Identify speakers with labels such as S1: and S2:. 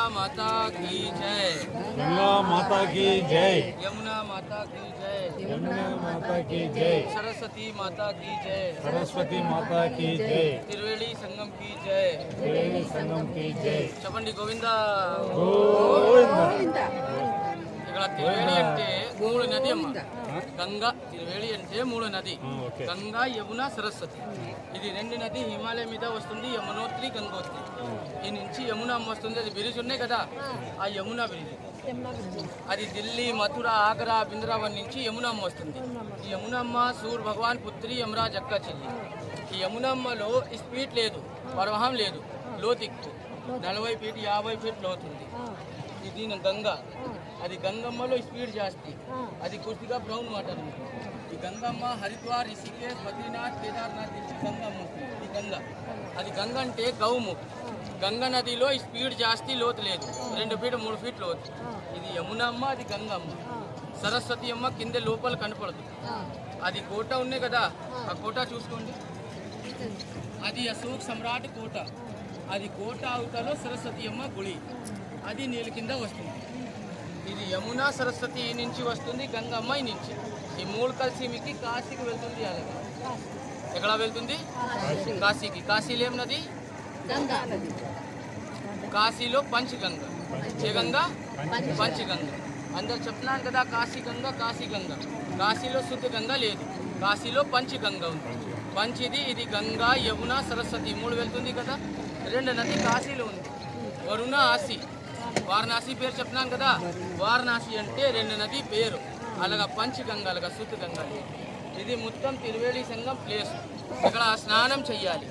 S1: माता की जय।
S2: गंगा माता की जय।
S1: यमुना माता की जय।
S2: यमुना माता की जय।
S1: सरस्वती माता की जय।
S2: सरस्वती माता की जय।
S1: त्रिवेणी संगम की जय।
S2: त्रिवेणी संगम की जय।
S1: చెప్పండి గోవిందా.
S2: గోవింద.
S1: ఇక్కడ త్రివేణి అంటే మూడు నది అమ్మ. గంగా త్రివేణి అంటే మూడు నది. గంగా యమున సరస్వతి. ఇది రెండు నది హిమాలయం మీద వస్తుంది, యమునోత్రి గంగోత్రి. ఈ నుంచి యమున అమ్మ వస్తుంది. అది బ్రిడ్జ్ ఉన్నాయి కదా, ఆ యమున బ్రిడ్జ్. అది ఢిల్లీ, మథుర, ఆగ్రా, బృందావన్ నుంచి యమున అమ్మ వస్తుంది. ఈ యమున అమ్మ సూర్య భగవాన్ పుత్రి యమరాజ్ అక్క చెల్లి. ఈ యమున అమ్మలో స్పీడ్ లేదు, ప్రవాహం లేదు, లోతెక్కు 40 ఫీట్ 50 ఫీట్ లోతుంది. ఇది గంగా. అది గంగమ్మలో స్పీడ్ జాస్తి, అది కొద్దిగా బ్రౌన్ వాటర్. ఈ గంగమ్మ హరిద్వార్, రిషికేశ్, బద్రీనాథ్, కేదార్నాథ్ నుంచి గంగమ్మ వస్తుంది. ఈ గంగ, అది గంగ అంటే గౌము. గంగా నదిలో స్పీడ్ జాస్తి, లోతు లేదు, 2 ఫీట్ 3 ఫీట్ లోతు. ఇది యమునమ్మ, అది గంగమ్మ. సరస్వతి అమ్మ కింద లోపల కనపడదు. అది కోట ఉన్నాయి కదా, ఆ కోట చూసుకోండి. అది అశోక్ సమ్రాట్ కోట. అది కోట అవతలో సరస్వతి అమ్మ గుడి. అది నీళ్ళ కింద వస్తుంది. ఇది యమున సరస్వతి నుంచి వస్తుంది, గంగమ్మ నుంచి. ఈ మూడు కలిసి మీకు కాశీకి వెళ్తుంది. అలాగే ఎక్కడ వెళ్తుంది? కాశీకి. కాశీలో ఏం నది? కాశీలో పంచగంగ. ఏ గంగ? పంచగంగ. అందరు చెప్తున్నాను కదా, కాశీ గంగ, కాశీ గంగ. కాశీలో శుద్ధ గంగ లేదు, కాశీలో పంచగంగ ఉంది. పంచిది ఇది గంగా, యమున, సరస్వతి మూడు వెళ్తుంది కదా. రెండు నది కాశీలో ఉంది, వరుణ, ఆసి. వారణాసి పేరు చెప్తున్నాను కదా, వారణాసి అంటే రెండు నది పేరు. అలాగా పంచగంగ, అలాగా శుద్ధ గంగ. ఇది మొత్తం త్రివేణి సంగం ప్లేస్. ఇక్కడ స్నానం చెయ్యాలి.